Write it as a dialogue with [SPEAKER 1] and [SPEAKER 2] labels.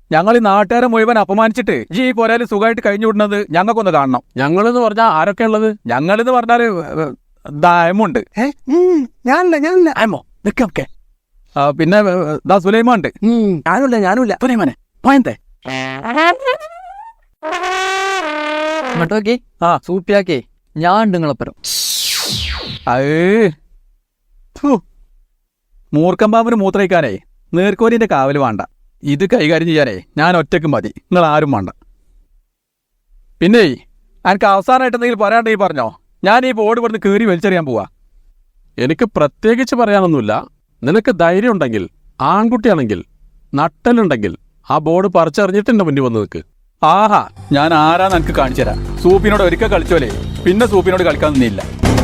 [SPEAKER 1] ഞങ്ങൾ ഈ നാട്ടുകാരെ മുഴുവൻ അപമാനിച്ചിട്ട് ഈ പോരാല് സുഖമായിട്ട് കഴിഞ്ഞു വിടുന്നത് ഞങ്ങൾക്കൊന്ന് കാണണം.
[SPEAKER 2] ഞങ്ങളെന്ന് പറഞ്ഞാൽ ആരൊക്കെ ഉള്ളത്?
[SPEAKER 1] ഞങ്ങളെന്ന് പറഞ്ഞാല് ദായമുണ്ട്.
[SPEAKER 2] ഞാനില്ല ആമോ നിൽക്കെ.
[SPEAKER 1] പിന്നെ ദാ സുലൈമാണ്ട്.
[SPEAKER 2] ഞാനുമില്ല സുലൈമാനെ പോയന്തേ
[SPEAKER 3] ഇങ്ങോട്ടോക്കി
[SPEAKER 1] ആ
[SPEAKER 3] സൂപ്പിയാക്കേ ഞാൻ നിങ്ങളപ്പുറം.
[SPEAKER 1] മൂർക്കമ്പാമ്പിന് മൂത്രയിക്കാനേ നീർക്കോലിന്റെ കാവല് വേണ്ട. ഇത് കൈകാര്യം ചെയ്യാനേ ഞാൻ ഒറ്റയ്ക്ക് മതി, നിങ്ങൾ ആരും വേണ്ട. പിന്നെ എനിക്ക് അവസാനമായിട്ട് എന്തെങ്കിലും പറയാണ്ടെങ്കിൽ പറഞ്ഞോ, ഞാൻ ഈ ബോർഡ് ഇവിടുന്ന് കീറി വലിച്ചെറിയാൻ പോവാ.
[SPEAKER 2] എനിക്ക് പ്രത്യേകിച്ച് പറയാനൊന്നുമില്ല. നിനക്ക് ധൈര്യം ഉണ്ടെങ്കിൽ, ആൺകുട്ടിയാണെങ്കിൽ, നട്ടലുണ്ടെങ്കിൽ ആ ബോർഡ് പറിച്ചെറിഞ്ഞിട്ട് എന്റെ മുന്നിൽ വന്ന് നിൽക്ക്.
[SPEAKER 1] ആഹാ, ഞാൻ ആരാന്ന് എനിക്ക് കാണിച്ചു തരാം. സൂപ്പിനോട് ഒരിക്കൽ കളിച്ചോലേ പിന്നെ സൂപ്പിനോട് കളിക്കാൻ നിന്നില്ല.